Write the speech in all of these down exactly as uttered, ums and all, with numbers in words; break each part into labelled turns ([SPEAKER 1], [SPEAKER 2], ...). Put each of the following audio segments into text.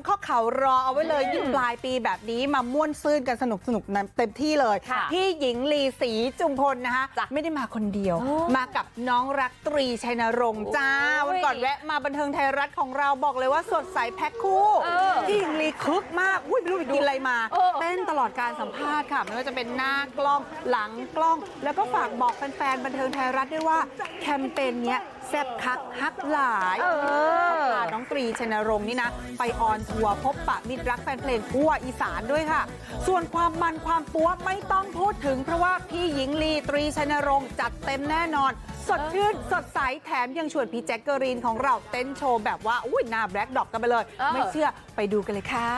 [SPEAKER 1] ข้อเข่ารอเอาไว้เลยยิ่งปลายปีแบบนี้มาม่วนซื่นกันสนุกสนุกเต็มที่เลยพี่หญิงลีศรีจุมพลนะคะไม่ได้มาคนเดียวมากับน้องรักตรีชัยนรงค์จ้าวันก่อนแวะมาบันเทิงไทยรัฐของเราบอกเลยว่าสดใสแพ็คคู่พี่หญิงลีคึกมากอุ้ยไม่รู้ไปกินอะไรมาเต้นตลอดการสัมภาษณ์ค่ะไม่ว่าจะเป็นหน้ากล้องหลังกล้องแล้วก็ฝากบอกแฟนๆบันเทิงไทยรัฐด้วยว่าแคมเปญเนี้ยแซ่บคักฮักหลายพาน้องตรีชัยนรงค์นี่นะไปออนทัวร์พบปะมิตรรักแฟนเพลงทั่วอีสานด้วยค่ะส่วนความมันความปัวไม่ต้องพูดถึงเพราะว่าพี่หญิงลีตรีชัยนรงค์จัดเต็มแน่นอนสดชื่นสดใสแถมยังชวนพี่แจ็คเกอรีนของเราเต้นโชว์แบบว่าอุ้ยหน้าแบล็คดอกกันไปเลยไม่เชื่อไปดูกันเลยค่ะ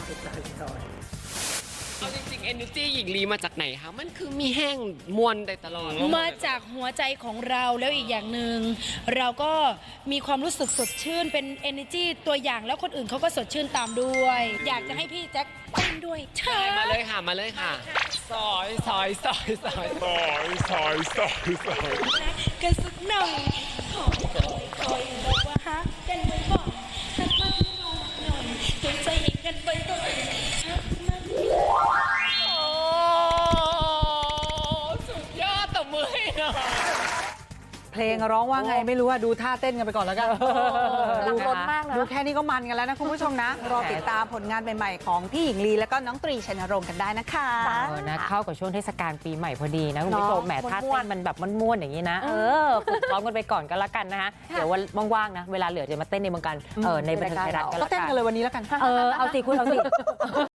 [SPEAKER 2] เอาจริงๆ Energy หญิงลีมาจากไหนคะมันคือมีแห้งมวลได้ตลอด
[SPEAKER 3] มาจากหัวใจของเราแล้วอีกอย่างหนึ่งเราก็มีความรู้สึกสดชื่นเป็น energy ตัวอย่างแล้วคนอื่นเขาก็สดชื่นตามด้วย อยากจะให้พี่แจ็คเต้นด้วยใช่
[SPEAKER 2] มาเลยค่ะมาเลยค่ะซอยซอยซอยซอยซอยซอยซอยซอย
[SPEAKER 3] กันสักหน่อยขอคอยคอยบอกว่าฮักกันบ่อยๆฮักมากหน่อยจงใจเองกันบ่อยๆฮักมาก
[SPEAKER 2] สุดยอดตบมือให้หน่อย
[SPEAKER 1] เพลงร้องว่าไงไม่รู้อะดูท่าเต้นกันไปก่อนแล้วกัน
[SPEAKER 4] ดูล้นมากนะ
[SPEAKER 1] ดูแค่นี้ก็มันกันแล้วนะคุณผู้ชมนะรอติดตามผลงานใหม่ๆของพี่หญิงลีแล้วก็น้องตรีชัยนรงค์กันได้นะคะ
[SPEAKER 4] เออนะเข้ากับช่วงเทศกาลปีใหม่พอดีนะคุณผู้ชมแหมท่าเต้นมันแบบม้วนๆอย่างนี้นะเออฝึกซ้อมกันไปก่อนก็แล้วกันนะคะเดี๋ยววันว่างๆนะเวลาเหลือจะมาเต้นในวงการเออในบันเทิงไทยรัฐกันแล้วกัน
[SPEAKER 1] ก็เต้นกันเลยวันนี้แล้วกัน
[SPEAKER 4] เออเอาสิคุณเอาสิ